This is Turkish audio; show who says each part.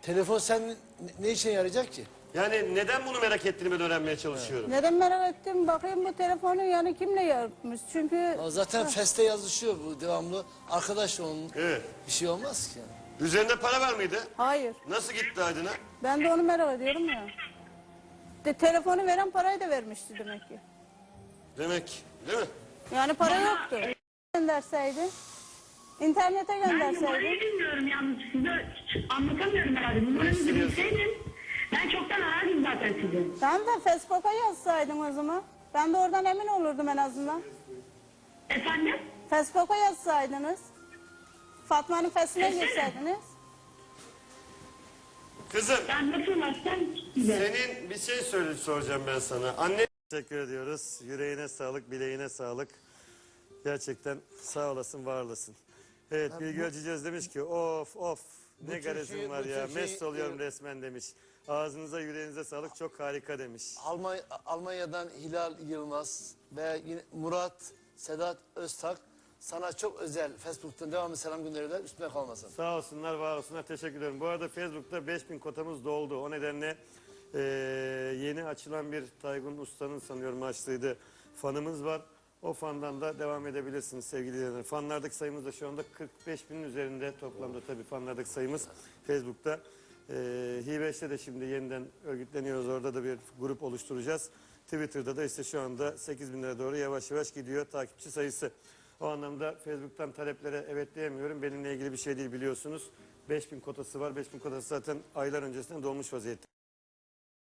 Speaker 1: Telefon sen ne işe yarayacak ki?
Speaker 2: Yani neden bunu merak ettiğini ben öğrenmeye çalışıyorum.
Speaker 3: Neden merak ettim? Bakayım bu telefonu yani kimle yapmış? Çünkü
Speaker 1: Zaten Feste yazışıyor bu devamlı. Arkadaş onun
Speaker 2: Evet.
Speaker 1: bir şey olmaz ki. Yani.
Speaker 2: Üzerinde para var mıydı?
Speaker 3: hayır.
Speaker 2: Nasıl gitti Aydın'a?
Speaker 3: Ben de onu merak ediyorum ya. Telefonu veren parayı da vermişti demek ki.
Speaker 2: Demek, değil mi?
Speaker 3: Yani para yoktu. Gönderseydi. İnternete
Speaker 4: Ben
Speaker 3: gönderseydi.
Speaker 4: numarayı bilmiyorum yalnız size anlatamıyorum herhalde. Numaranızı bilseydim ben çoktan arardım zaten sizi.
Speaker 3: Tamam da Facebook'a yazsaydın o zaman. Ben de oradan emin olurdum en azından.
Speaker 4: Efendim?
Speaker 3: Facebook'a yazsaydınız. Fatma'nın fesine girseydiniz.
Speaker 2: Kızım,
Speaker 4: Ben nasıl ulaşsam size?
Speaker 2: senin bir şey soracağım ben sana. Anne... Teşekkür ediyoruz. Yüreğine sağlık, bileğine sağlık. Gerçekten sağ olasın, var olasın. Evet, Bilgi Ölçeceğiz demiş ki of ne garezim var ya. Mest oluyorum resmen demiş. Ağzınıza yüreğinize sağlık, çok harika demiş.
Speaker 1: Almanya'dan Hilal Yılmaz ve yine Murat Sedat Öztak sana çok özel Facebook'tan devamlı selam gönderiyorlar. Üstüne kalmasın.
Speaker 2: Sağ olsunlar, var olsunlar. Teşekkür ederim. Bu arada Facebook'ta 5000 kotamız doldu. O nedenle yeni açılan bir Taygun Usta'nın sanıyorum açtığıydı fanımız var. O fandan da devam edebilirsiniz sevgili izleyiciler. Fanlardaki sayımız da şu anda 45.000'in üzerinde toplamda tabii fanlardaki sayımız Facebook'ta. Hi5'te de şimdi yeniden örgütleniyoruz. Orada da bir grup oluşturacağız. Twitter'da da işte şu anda 8.000'lere doğru yavaş yavaş gidiyor takipçi sayısı. O anlamda Facebook'tan taleplere evet diyemiyorum. Benimle ilgili bir şey değil biliyorsunuz. 5000 kotası var. 5000 kotası zaten aylar öncesinden dolmuş vaziyette.